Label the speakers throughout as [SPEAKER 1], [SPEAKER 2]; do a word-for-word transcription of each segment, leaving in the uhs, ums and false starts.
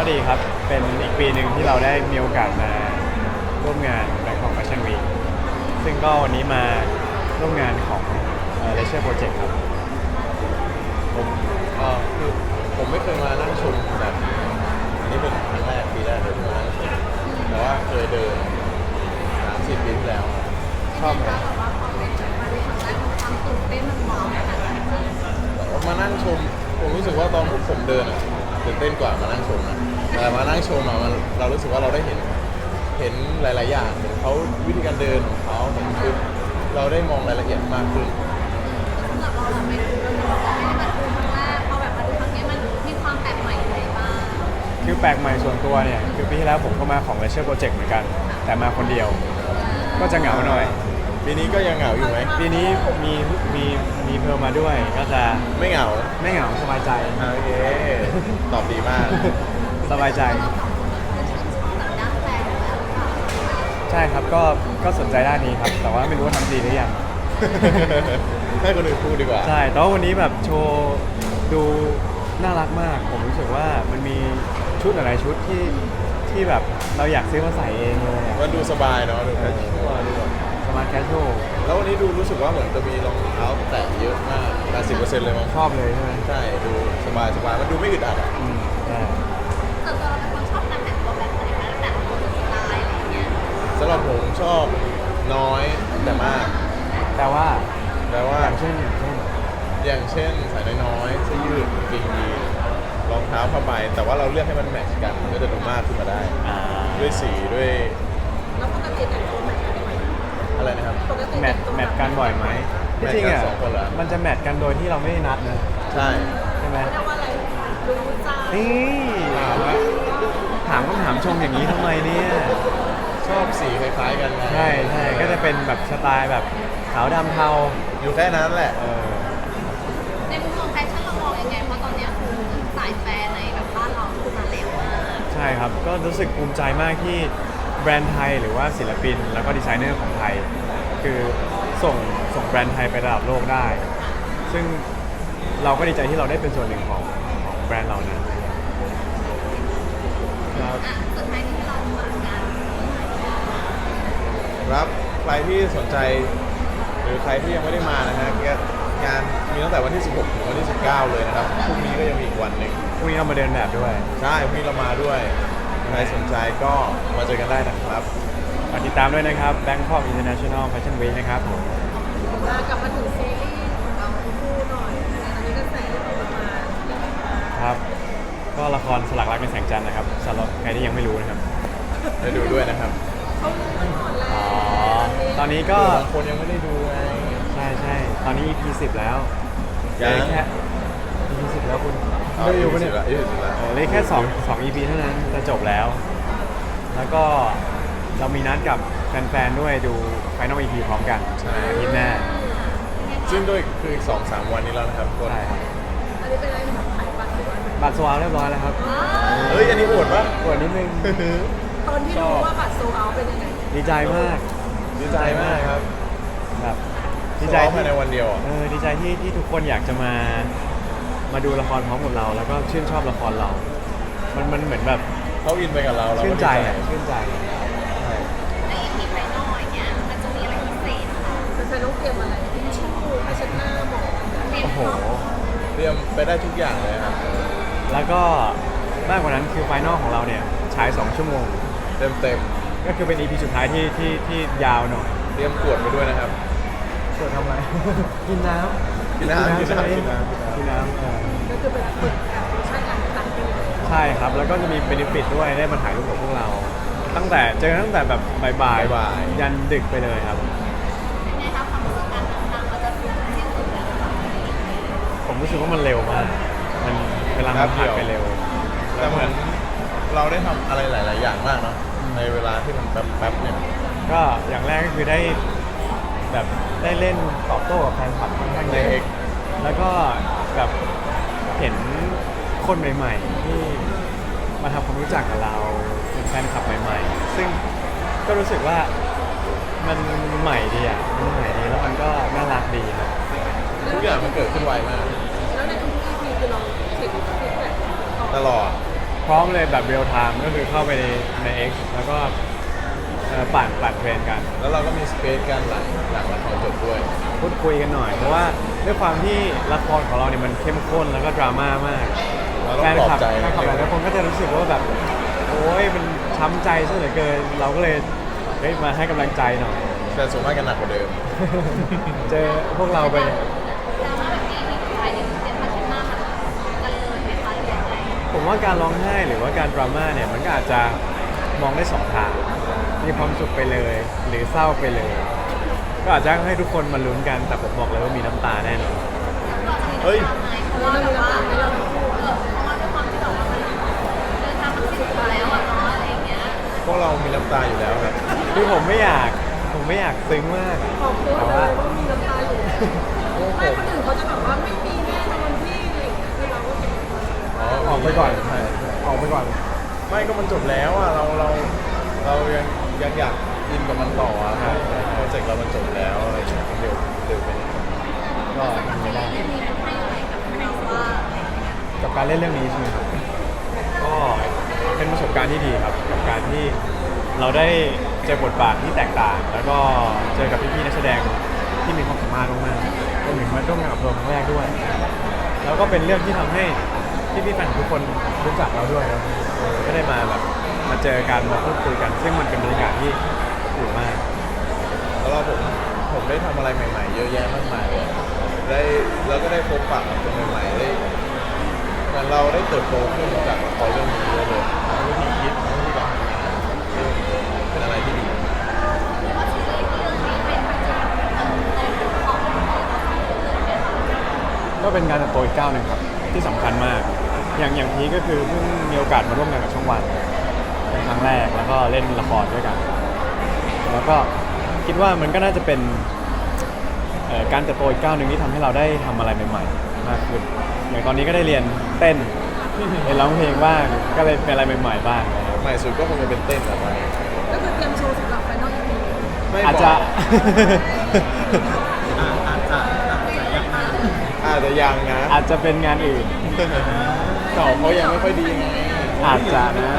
[SPEAKER 1] ดีครับ เป็นอีกปีหนึ่งที่เราได้มีโอกาสมาร่วมงาน Bangkok Fashion Week ซึ่งก็วันนี้มาร่วมงานของเอ่อ Leisure Project ครับ
[SPEAKER 2] ผมเออคือผมไม่เคยมานั่งชมแบบนี้อันนี้เป็นครั้งแรกปีแรกเลยที่มานั่งชมแต่ว่าเคยเดินสามสิบปีที่แล้วครับ
[SPEAKER 1] ชอบไหม
[SPEAKER 3] แบบว่าพอเป็นมาในครั้งแรกมันความตื่นเต้นมันว้าวขนาดไหนบ้าง
[SPEAKER 2] มานั่งชมผมรู้สึกว่าตอนพวกผมเดินอ่ะตื่นเต้นกว่ามานั่งชมนะแต่มานั่งชมอ่ะมันเรารู้สึกว่าเราได้เห็นเห็นหลาย ๆ อย่างเห็นเขาวิธีการเดินของเขาเห็นชุดเราได้มองรายละเอียดมากขึ้น
[SPEAKER 3] สำหรับเราแบบไปดูเราบอกว่าไม่ได้มาดูครั้งแรกพอแบบมาดูครั้งนี้มันมีความแปลกใหม่อะไรบ้าง
[SPEAKER 1] คือแปลกใหม่ส่วนตัวเนี่ยคือปีที่แล้วผมก็มาของ Leisure Project เหมือนกัน แต่มาคนเดียว ก็จะเหงาหน่อย
[SPEAKER 2] ปีนี้ก็ยังเหงาอยู่ไหม
[SPEAKER 1] ปีนี้มีมีมีเพิ่มมาด้วย ก็จะ
[SPEAKER 2] ไม่เหงา
[SPEAKER 1] ไม่เหงาสบายใจ
[SPEAKER 2] โอเคตอบดีมาก
[SPEAKER 1] สบายใจ
[SPEAKER 3] เราสองคนคือชื่นชอบแบบด้านแฟนอยู่แล้วหรือเปล่า
[SPEAKER 1] ใช่ครับ ก็ก็สนใจด้านนี้ครับ แต่ว่าไม่รู้ว่าทำดีหรือยัง
[SPEAKER 2] ให้คนอื่นพูดดีกว่า
[SPEAKER 1] ใช่ แต่ว่าวันนี้แบบโชว์ดูน่ารักมาก ผมรู้สึกว่ามันมีชุดหลายๆชุดที่ที่แบบเราอยากซื้อมาใส่เองเลยอะ
[SPEAKER 2] มันดูสบายเนาะดูแคชชวลดูแบบ
[SPEAKER 1] สมาร์ทแคชชวล
[SPEAKER 2] แล้ววันนี้ดูรู้สึกว่าเหมือนจะมีรองเท้าแตะเยอะมาก แปดสิบเปอร์เซ็นต์ เลยมั้ง
[SPEAKER 1] ชอบเลยใช่ไหม
[SPEAKER 2] ใช่ ดูสบายสบายมันดูไม่อึดอัดอ่ะ
[SPEAKER 1] อืมใช่
[SPEAKER 3] ส่วนตัวเราเป็นคนชอบการแต่งตัวแบบไหนคะแต่งตัวสไตล์อะไรอย่างเงี้ย
[SPEAKER 2] สำหรับผมชอบน้อยแต่มาก
[SPEAKER 1] แต่ว่า
[SPEAKER 2] แปลว่า
[SPEAKER 1] อย่างเช่นอย่างเช่น
[SPEAKER 2] อย่างเช่นใส่น้อยๆเสื้อยืดกางเกงยีนรองเท้าผ้าใบแต่ว่าเราเลือกให้มันแมทช์กันก็จะดูมากขึ้นมาได้
[SPEAKER 1] อ่า
[SPEAKER 2] ด้วยสีด้วย
[SPEAKER 3] แล้วปกติแต่งตัวแมทกันบ่อยไหม
[SPEAKER 2] อะไรนะครับ
[SPEAKER 3] ปกติ
[SPEAKER 1] แมทแมทกันบ่อยไหม
[SPEAKER 2] แมทกัน
[SPEAKER 1] ที่จริงอ่ะ
[SPEAKER 2] สองคนเหรอ
[SPEAKER 1] มันจะแมทกันโดยที่เราไม่ได้นัดนะ
[SPEAKER 2] ใช่
[SPEAKER 1] ใช่ไหม
[SPEAKER 3] เรียกว่าอะไรรู้ใจ
[SPEAKER 1] นี่
[SPEAKER 2] ถามว่า
[SPEAKER 1] ถามคำถามชมอย่างนี้ทำไมเนี่ย
[SPEAKER 2] ชอบสีคล้ายๆกันไง
[SPEAKER 1] ใช่ใช่ก็จะเป็นแบบสไตล์แบบขาวดำเทา
[SPEAKER 2] อยู่แค่นั้นแหละ
[SPEAKER 1] เออ
[SPEAKER 3] ในมุมมองแฟชั่นเรามองยังไงเพราะตอนเนี้ยคือสายแฟนในแบบบ้านเราคือมาแรงมาก
[SPEAKER 1] ใช่ครับ ก็รู้สึกภูมิใจมากที่แบรนด์ไทยหรือว่าศิลปิน แล้วก็ดีไซเนอร์ของไทย คือส่งส่งแบรนด์ไทยไประดับโลกได้ ซึ่งเราก็ดีใจที่เราได้เป็นส่วนหนึ่งของของแบรนด์เรานั้นครับ
[SPEAKER 3] อ่ะสุดท้ายที่เรามากัน
[SPEAKER 2] ครับใครที่สนใจหรือใครที่ยังไม่ได้มานะฮะก็งานมีตั้งแต่วันที่ สิบหก ถึงวันที่ สิบเก้า เลยนะครับพรุ่งนี้ก็ยังมีอีกวันหนึ่ง
[SPEAKER 1] พรุ่งนี้เรามาเดินแบบด้วย
[SPEAKER 2] ใช่พรุ่งนี้เรามาด้วยใครสนใจก็มาเจอกันได้นะครับ
[SPEAKER 1] ฝากติดตามด้วยนะครับ Bangkok International Fashion Week นะครับผม
[SPEAKER 3] กลับมาถึงซีรีส์ของเราทั้งคู่หน่อยตอนนี้กระแสที่ออกมา
[SPEAKER 1] ครับ ก็ละครสลักรักในแสงจันทร์นะครับสำหรับใครที่ยังไม่รู้นะครับ
[SPEAKER 2] ได้ดูด้วยนะครับ
[SPEAKER 3] เขารู้มาก่อนแล้ว
[SPEAKER 1] อ๋อ ตอนนี้ก็
[SPEAKER 2] บางคนยังไม่ได้ดูไง
[SPEAKER 1] ใช่ใช่ตอนนี้ อี พี สิบแล้วเห
[SPEAKER 2] ยั
[SPEAKER 1] ลือง แค่ อี พี สิบแล้วคุณ
[SPEAKER 2] เอา
[SPEAKER 1] ไม่
[SPEAKER 2] อี
[SPEAKER 1] ดู
[SPEAKER 2] พี
[SPEAKER 1] ปะ
[SPEAKER 2] สิ
[SPEAKER 1] เนี่ย
[SPEAKER 2] บละอีพีสิบละ
[SPEAKER 1] เออเหลยแค่สองสอง อี พี เท่านั้นจะจบแล้ว แล้วก็เรามีนัดกับแฟนๆด้วยดู Final อี พี พร้อมกันอาทิตย์หน้า
[SPEAKER 2] ซึ่งด้วยคืออีกสองสามวันนี้แล้วนะครับคน
[SPEAKER 1] ใช่ครับ
[SPEAKER 3] อันนี้เป็นอะไรแบบขายบัตรหรือว่า
[SPEAKER 1] บัตรสวาเรียบร้อยแล้วครับ
[SPEAKER 2] เฮ้ยอันนี้โหดปะ
[SPEAKER 1] กดนิดนึง
[SPEAKER 3] ตอนที่รู้ว่าบัตรโซเอาเป็นยังไง
[SPEAKER 1] ดีใจมาก
[SPEAKER 2] ดีใจมากครับ
[SPEAKER 1] แบบดี
[SPEAKER 2] ดี
[SPEAKER 1] ใจ
[SPEAKER 2] ใจ
[SPEAKER 1] ที่
[SPEAKER 2] ภายในวันเดียวอะ
[SPEAKER 1] เออดีใจที่ที่ทุกคนอยากจะมามาดูละครพร้อมกับเรา แล้วก็ชื่นชอบละครเรา มันมันเหมือนแบบ
[SPEAKER 2] เขาอินไปกับเราเราก็
[SPEAKER 1] ชื่น
[SPEAKER 2] ดี
[SPEAKER 1] ใจอ่ะชื่นใจ
[SPEAKER 2] ใช่
[SPEAKER 3] ในอีพีไฟนอลอย่างเงี้ยมันจะมีอะไรพิเศษค่ะมันจะต้องเตรียมอะไรทิชชู่ผ้าเช็ดหน้าหมอนเตรียม
[SPEAKER 1] โอ้โห
[SPEAKER 3] พร้อม
[SPEAKER 2] เตรียมไปได้ทุกอย่างเลยครับ
[SPEAKER 1] แล้วก็มากกว่านั้นคือไฟนอลของเราเนี่ยฉายสองชั่วโมง
[SPEAKER 2] เต็มเต็ม
[SPEAKER 1] ก็คือเป็น อี พี สุดท้ายที่ที่ที่ยาวหน่อย
[SPEAKER 2] ๆเตรียมขวดไปด้วยนะครับ
[SPEAKER 1] ส่วนทำอะไร กินน้ำ
[SPEAKER 2] กินน้ำ
[SPEAKER 1] ใช่ไหม
[SPEAKER 2] กินน้ำ
[SPEAKER 1] กินน้ำเออ
[SPEAKER 3] ก็คือเป็นฝึกแบบใช้การตัดปีเลย
[SPEAKER 1] ใช่ครับ แล้วก็จะมีเบนฟิตด้วยได้มาถ่ายรูปกับพวกเรา ตั้งแต่เจอตั้งแต่แบบบ่าย
[SPEAKER 2] บ่าย
[SPEAKER 1] ๆยันดึกไปเลยครับ
[SPEAKER 3] เป็นไงคะความรู้สึกการเดินทางเราจะถึงที่สุดแล้วค่ะ
[SPEAKER 1] ผมรู้สึกว่ามันเร็วมาก มันเวลามันผ่านไปเร็ว
[SPEAKER 2] แต่เหมือนเราได้ทำอะไรหลาย ๆ อย่างมากเนาะในเวลาที่มันแป๊บๆเนี่ย
[SPEAKER 1] ก็อย่างแรกก็คือได้แบบได้เล่นตอบโต้กับแฟนคลับค่อนข้างเยอะแล้วก็แบบเห็นคนใหม่ ๆ ที่มาทำความรู้จักกับเราเป็นแฟนคลับใหม่ ๆ ซึ่งก็รู้สึกว่ามันใหม่ดีอ่ะมันใหม่ดีแล้วมันก็น่ารักดีครับ
[SPEAKER 2] ทุกอย่างมันเกิดขึ้นไวมาก
[SPEAKER 3] แล้วในทุกๆ อี พีคือเราเห็นฟีดแบ็ก
[SPEAKER 2] ตลอด
[SPEAKER 1] ใพร้อมเลยแบบเรียลไทม์ก็คือเข้าไปในใน X แล้วก็เอ่อปั่นปั่นเทรนกัน
[SPEAKER 2] แล้วเราก็มีสเปซกันหลังหลังละครจบด้วย
[SPEAKER 1] พูดคุยกันหน่อยเพราะว่าด้วยความที่ละครของเราเนี่ยมันเข้มข้นแล้วก็ดราม่ามาก
[SPEAKER 2] เราต้อ
[SPEAKER 1] แฟ
[SPEAKER 2] ง
[SPEAKER 1] น
[SPEAKER 2] ปลอ
[SPEAKER 1] คลั
[SPEAKER 2] บบ ใจ
[SPEAKER 1] แฟนคลับหลายๆคนก็จะรู้สึกว่าแบบโอ้ยมันช้ำใจซะเหลือเกิน เราก็เลยเฮ้ยมาให้กำลังใจหน่อย
[SPEAKER 2] แต่ส่วนมากกันหนักกว่าเดิม
[SPEAKER 1] เจอพวกเราไปเนี่ย
[SPEAKER 3] ดราม่าแบบนี้มีใครเรียนเรียนภาษาหน้ามันกันเลยไหมคะหรือยังไง
[SPEAKER 1] ผมว่าการร้องไห้หรือว่าการดราม่าเนี่ยมันก็อาจจะมองได้สองทางมีความสุขไปเลย หรือเศร้าไปเลย ก็อาจจะให้ทุกคนมาลุ้นกันแต่ผมบอกเลยว่ามีน้ำตาแน่นอน
[SPEAKER 2] เฮ้ย
[SPEAKER 3] เพราะว่าแบบว่าเราพูดเออเพราะว่าด้วยความที่แบบว่ามันเดินทางมันสิ้นสุดแล้วอะเนาะอะไรอย่างเงี้ย
[SPEAKER 2] พวกเรามีน้ำตาอยู่แล้วครับ
[SPEAKER 1] คือผมไม่อยากผมไม่อยากซึ้งมาก
[SPEAKER 4] ออกตัว
[SPEAKER 1] แต่
[SPEAKER 4] เล
[SPEAKER 1] ว่า
[SPEAKER 4] ยว่ามีน้ำตาอยู่
[SPEAKER 2] พวกผ
[SPEAKER 4] ไม่
[SPEAKER 2] ม
[SPEAKER 4] คนอื่นเขาจะแบบว่าไม่มีแน่นอนที่อะไรอย่างเงี้ยคือเราก็เป็น
[SPEAKER 1] ออกไปก่อน
[SPEAKER 2] ใช่
[SPEAKER 1] ออกไปก่อน
[SPEAKER 2] ไม่ก็มันจบแล้วอ่ะเราเราเรายังยังอยากอินกับมันต่ออ่ะโปรเจกต์เรามันจบแล้วอะไรอย่างเงี้ยเร็วเร็วไปนิดนึง
[SPEAKER 1] ก็ทำไม่ได้
[SPEAKER 3] เรื่องนี้มันให้อะไรกับเราว่าอะไรอย่างเงี้ย
[SPEAKER 1] กับการเล่นเรื่องนี้ใช่ไหมครับ ก็เป็นประสบการณ์ที่ดีครับ กับการที่เราได้เจอบทบาทที่แตกต่าง แล้วก็เจอกับพี่ๆนักแสดงที่มีความสามารถมากๆรวมถึงมาร่วมงานกับเราครั้งแรกด้วย แล้วก็เป็นเรื่องที่ทำให้พี่ๆแฟนทุกคนรู้จักเราด้วยแล้วก็ได้มาแบบมาเจอกันมาพูดคุยกัน ซึ่งมันเป็นบรรยากาศที่อบอุ่นมาก
[SPEAKER 2] แล้วเราผมผมได้ทำอะไรใหม่ๆ เยอะแยะมากมายเลยได้แล้วก็ได้พบปะกับคนใหม่ๆได้เหมือนเราได้เติบโตขึ้นจากละครเรื่องนี้เยอะเลยทั้งวิธีคิดทั้งวิธีการทำงานเป็นอะไรที่ดี
[SPEAKER 1] ก็เป็นการเติบโตอีกก้าวหนึ่งครับที่สำคัญมาก อย่างอย่างพีคก็คือเพิ่งมีโอกาสมาร่วมงานกับช่องวันเป็นครั้งแรกแล้วก็เล่นละครด้วยกัน แล้วก็คิดว่ามันก็น่าจะเป็นเอ่อการเติบโตอีกก้าวหนึ่งที่ทำให้เราได้ทำอะไรใหม่ๆมากขึ้นอย่างตอนนี้ก็ได้เรียนเต้น เรียนร้องเพลงบ้างก็เลยเป็นอะไรใหม่ๆบ้างนะครับ
[SPEAKER 2] ใหม่สุดก็คงจะเป็นเต้นแบบว่า
[SPEAKER 4] ก็คือเตรียมโชว์สำหรับไฟนอลอีพี
[SPEAKER 2] ไม่
[SPEAKER 1] อาจ
[SPEAKER 2] บ
[SPEAKER 1] จะ
[SPEAKER 2] อกอาจจะยังนะ
[SPEAKER 1] อาจจะเป็นงานอื่น
[SPEAKER 2] เก่าเขายังไม่ค่อยดีไง
[SPEAKER 1] อาจจะนะ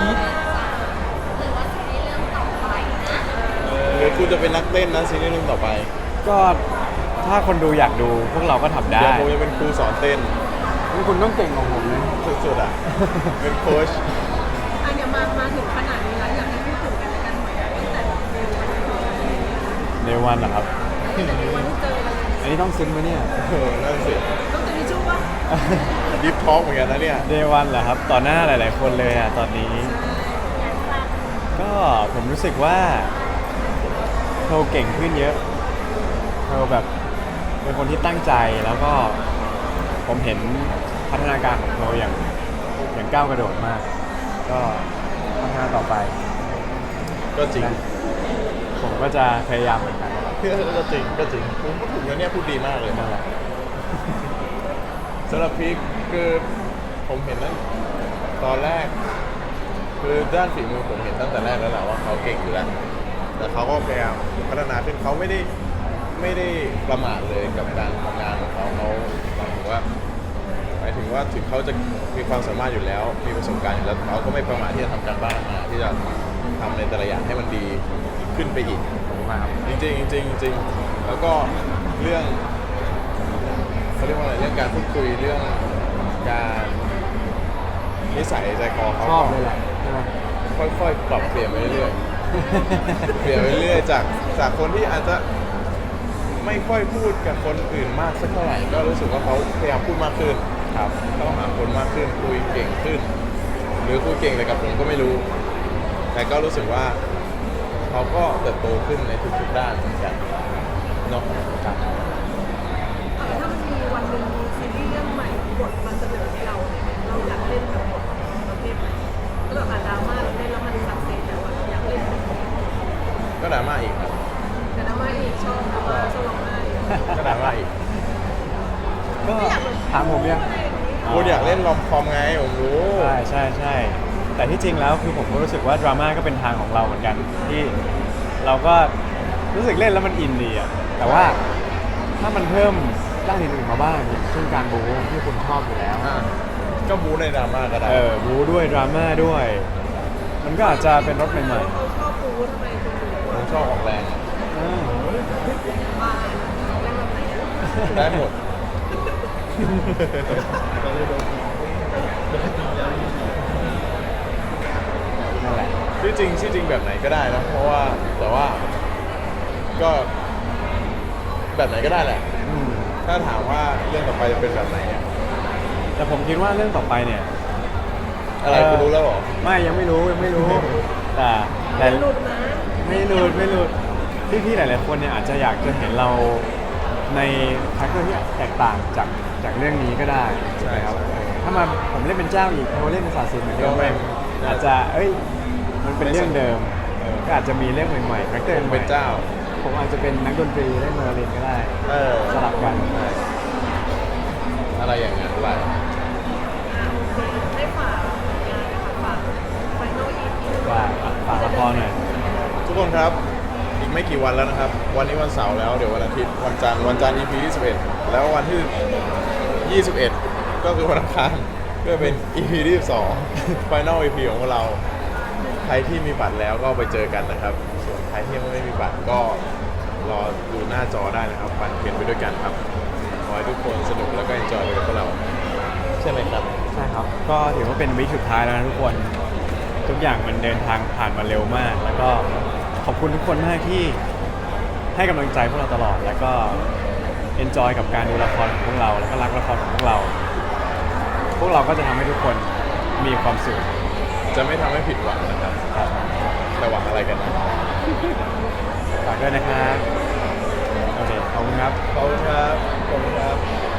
[SPEAKER 2] หรือคุณจะเป็นนักเต้นนะซีรีส์เรื่องต่อไป
[SPEAKER 1] ก็ถ้าคนดูอยากดูพวกเราก็ทำได้
[SPEAKER 2] เดี๋ยวผมจะเป็นครูสอนเต้น
[SPEAKER 1] คุณต้องเก่งของผมนะ
[SPEAKER 2] สุดๆอ่ะ เป็นโค้ช
[SPEAKER 4] อันเนี้ยมามาถึงขนาดนี้แล้วอยากให้พูดถึงกันและกันหน่อยตั้งแต่เดย์วัน
[SPEAKER 1] ในวันเหรอครับ
[SPEAKER 4] ตั้งแต่เดย์วันที่เจอกันเลย
[SPEAKER 1] อันนี้ต้องซึ้งไหมเนี่ย
[SPEAKER 2] เออนั่นสิ
[SPEAKER 4] ต้องจะมีชื่อว่า
[SPEAKER 2] ดิฟท็อกเหมือนกันนะเนี่ย
[SPEAKER 1] เดวันเหรอครับ ต่อหน้าหลาย ๆ คนเลยอ่ะตอนนี้ ก็ผมรู้สึกว่าเธอเก่งขึ้นเยอะเธอแบบเป็นคนที่ตั้งใจแล้วก็ผมเห็นพัฒนาการของเธออย่างอย่างก้าวกระโดดมาก ก็พัฒนาต่อไป
[SPEAKER 2] ก็จริง
[SPEAKER 1] นะผมก็จะพยายามเหมือนกันนะครับ
[SPEAKER 2] ก็จริงก็จริงผมพูดถึงแล้วเนี่ยพูดดีมากเลย
[SPEAKER 1] นั่นแหละ
[SPEAKER 2] สำหรับพีคคือผมเห็นตั้งตอนแรก คือด้านฝีมือผมเห็นตั้งแต่แรกแล้วแหละว่าเขาเก่งอยู่แล้วแต่เขาก็พยายามพัฒนาขึ้นเขาไม่ได้ไม่ได้ประมาทเลยกับการทำงานของเขาเขาหมายถึงว่าหมายถึงว่าถึงเขาจะมีความสามารถอยู่แล้ว มีประสบการณ์อยู่แล้วเขาก็ไม่ประมาทที่จะทำการบ้านมาที่จะทำในแต่ละอย่างให้มันดีขึ้นไปอีก
[SPEAKER 1] ขอบคุณมากครับ
[SPEAKER 2] จริงๆจริงๆจริงๆแล้วก็เรื่องเขาเรียกว่าอะไรเรื่องการพูดคุยเรื่องการนิสัยใจคอเขา
[SPEAKER 1] ชอบเลยแหละใช่ไหม
[SPEAKER 2] ค่อยๆปรับเปลี่ยนไปเรื่อยๆ เปลี่ยนไปเรื่อยๆจากจากคนที่อาจจะไม่ค่อยพูดกับคนอื่นมากสักเท่าไหร่ก็รู้สึกว่าเขาพยายามพูดมากขึ้นครับเข้าหาคนมากขึ้นคุยเก่งขึ้น หรือคุยเก่งแต่กับผมก็ไม่รู้ แต่ก็รู้สึกว่าเขาก็เติบโตขึ้นในทุกๆด้านเหมือนกันเนาะครับ
[SPEAKER 4] ถ้ามันมีวันหนึ่งมีซีรีส์เรื่องใหม่บทมันเสนอให้เราเนี่ยเราอยากเล่นกับบทประเภทไหนก็แบบอ่านดราม่าเราเล่นแล้วมันสักเซสแต่ว่าเราอยากเล่นเป็น
[SPEAKER 2] ก็ดราม่าอีกครับ
[SPEAKER 4] แต่ดราม่าอีกชอบดราม่าชอบร้องไห้
[SPEAKER 2] ก็ดราม่าอีก
[SPEAKER 1] ก็ถามผมยัง
[SPEAKER 2] คุณอยากเล่นลอมคอมไงผมรู้
[SPEAKER 1] ใช่ใช่ใช่แต่ที่จริงแล้วคือผมก็รู้สึกว่าดราม่าก็เป็นทางของเราเหมือนกัน ที่เราก็รู้สึกเล่นแล้วมันอินดีอะแต่ว่าถ้ามันเพิ่มด้านอื่นๆมาบ้างอย่างเช่นการบู๊ที่คุณชอบอยู่แล้ว
[SPEAKER 2] อ่าก็บู๊ในดราม่าก็ได้
[SPEAKER 1] เออบูด้วยดราม่าด้วย มันก็อาจจะเป็นรสใหม่
[SPEAKER 4] เขาชอบปูทำไมคุณดู
[SPEAKER 2] ผมชอบออกแรง
[SPEAKER 1] ๆอ่า
[SPEAKER 4] บ้าเล่นแบบไหนอะ
[SPEAKER 2] ได้หมด
[SPEAKER 1] นั่นแหละ
[SPEAKER 2] ที่จริงที่จริงแบบไหนก็ได้นะ เพราะว่าแต่ว่าก็แบบไหนก็ได้แหละ
[SPEAKER 1] อืม
[SPEAKER 2] ถ้าถามว่าเรื่องต่อไปจะเป็นแบบไหนเนี่ย
[SPEAKER 1] แต่ผมคิดว่าเรื่องต่อไปเนี่ย
[SPEAKER 2] อะไรคุณรู้แล้วเหรอ
[SPEAKER 1] ไม่ยังไม่รู้ยังไม่รู้ แต่แต่
[SPEAKER 4] หลุดนะ
[SPEAKER 1] ไม่หลุดไม่หลุดพี่ๆหลายๆคนเนี่ยอาจจะอยากจะเห็นเราในคาแรคเตอร์ที่แตกต่างจากจากเรื่องนี้ก็ได้ใช่ไหมครับ
[SPEAKER 2] ใช่ใช่
[SPEAKER 1] เออถ้ามาผมเล่นเป็นเจ้าอีกโทเล่นเป็นศาสินเหมือนเดิม
[SPEAKER 2] ก็ไม่
[SPEAKER 1] อาจจะเอ้ยมันเป็นเรื่องเดิมเออก็อาจจะมีเรื่องใหม่ๆคาแรคเตอร์
[SPEAKER 2] ผม
[SPEAKER 1] ใหม่
[SPEAKER 2] เป็นเจ้า
[SPEAKER 1] ผมอาจจะเป็นนักดนตรีเล่นไวโอลินก็ได้
[SPEAKER 2] เออ
[SPEAKER 1] สลับกัน
[SPEAKER 2] อะไรอย่างนั้นไป
[SPEAKER 4] อ่ะโอเคให้ฝากงานนะคะฝากไฟนอลอีพี
[SPEAKER 1] ฝากฝากละครหน่อย
[SPEAKER 2] ทุกคนครับ อีกไม่กี่วันแล้วนะครับ วันนี้วันเสาร์แล้ว เดี๋ยววันอาทิตย์ วันจันทร์ วันจันทร์ อี พี ที่สิบเอ็ดแล้ววันที่ ยี่สิบเอ็ด ก็คือวันอังคารก็เป็น อี พี ที่สิบสอง Final อี พี ของพวกเรา ใครที่มีบัตรแล้วก็ไปเจอกันนะครับ ส่วนใครที่ยังไม่มีบัตรก็รอดูหน้าจอได้นะครับฟันเพียนไปด้วยกันครับ ขอให้ทุกคนสนุกแล้วก็เอนจอยไปกับพวกเรา ใช่ไหมครับ
[SPEAKER 1] ใช่ครับ ก็ถือว่าเป็นวิคสุดท้ายแล้วนะทุกคน ทุกอย่างมันเดินทางผ่านมาเร็วมาก แล้วก็ขอบคุณทุกคนมากที่ให้กำลังใจพวกเราตลอด แล้วก็เอนจอยกับการดูละครของพวกเรา แล้วก็รักละครของพวกเรา พวกเราก็จะทำให้ทุกคนมีความสุข
[SPEAKER 2] จะไม่ทำให้ผิดหวังนะครับ
[SPEAKER 1] ครับ
[SPEAKER 2] แต่หวังอะไรกันนะ
[SPEAKER 1] ฝากด้วยนะครับ โอเค ขอบคุณครับ
[SPEAKER 2] ขอบคุณครับขอบคุณครับ